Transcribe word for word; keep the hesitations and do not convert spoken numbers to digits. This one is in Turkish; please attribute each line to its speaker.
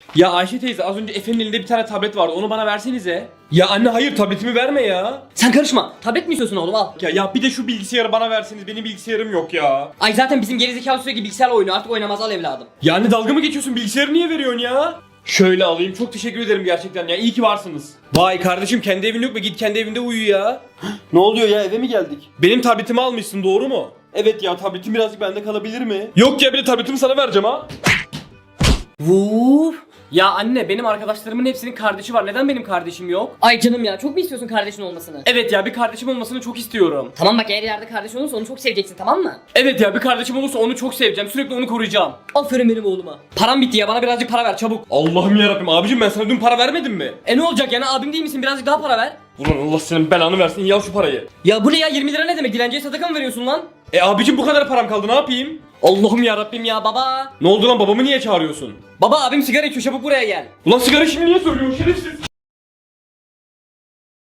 Speaker 1: Ya Ayşe teyze az önce Efe'nin elinde bir tane tablet vardı, onu bana versenize. Ya anne hayır, tabletimi verme ya.
Speaker 2: Sen karışma. Tablet mi istiyorsun oğlum, al.
Speaker 1: Ya, ya bir de şu bilgisayarı bana verseniz, benim bilgisayarım yok ya.
Speaker 2: Ay zaten bizim gerizekalı sürekli bilgisayarla oynuyor, artık oynamaz, al evladım.
Speaker 1: Ya anne dalga mı geçiyorsun, bilgisayarı niye veriyorsun ya? Şöyle alayım, çok teşekkür ederim gerçekten ya, iyi ki varsınız. Vay kardeşim, kendi evin yok mu, git kendi evinde uyu ya.
Speaker 3: Ne oluyor ya, eve mi geldik?
Speaker 1: Benim tabletimi almışsın, doğru mu?
Speaker 3: Evet ya, tabletim birazcık bende kalabilir mi?
Speaker 1: Yok ya, bir de tabletimi sana vereceğim ha.
Speaker 2: Vuuu.
Speaker 1: Ya anne, benim arkadaşlarımın hepsinin kardeşi var, neden benim kardeşim yok?
Speaker 2: Ay canım ya, çok mu istiyorsun kardeşin olmasını?
Speaker 1: Evet ya, bir kardeşim olmasını çok istiyorum.
Speaker 2: Tamam bak, eğer ileride kardeşin olursa onu çok seveceksin, tamam mı?
Speaker 1: Evet ya, bir kardeşim olursa onu çok seveceğim, sürekli onu koruyacağım.
Speaker 2: Aferin benim oğluma.
Speaker 1: Param bitti ya, bana birazcık para ver çabuk. Allah'ım yarabbim, abicim ben sana dün para vermedim mi?
Speaker 2: E ne olacak yani, abim değil misin, birazcık daha para ver.
Speaker 1: Ulan Allah senin belanı versin, iyi al şu parayı.
Speaker 2: Ya bu ne ya, yirmi lira ne demek, dilenciye sadaka mı veriyorsun lan?
Speaker 1: E abicim bu kadar param kaldı, ne yapayım?
Speaker 2: Allah'ım yarabbim ya baba.
Speaker 1: Ne oldu lan, babamı niye çağırıyorsun?
Speaker 2: Baba abim sigara içiyor, çabuk buraya gel.
Speaker 1: Ulan sigara şimdi niye söylüyorsun şerefsiz?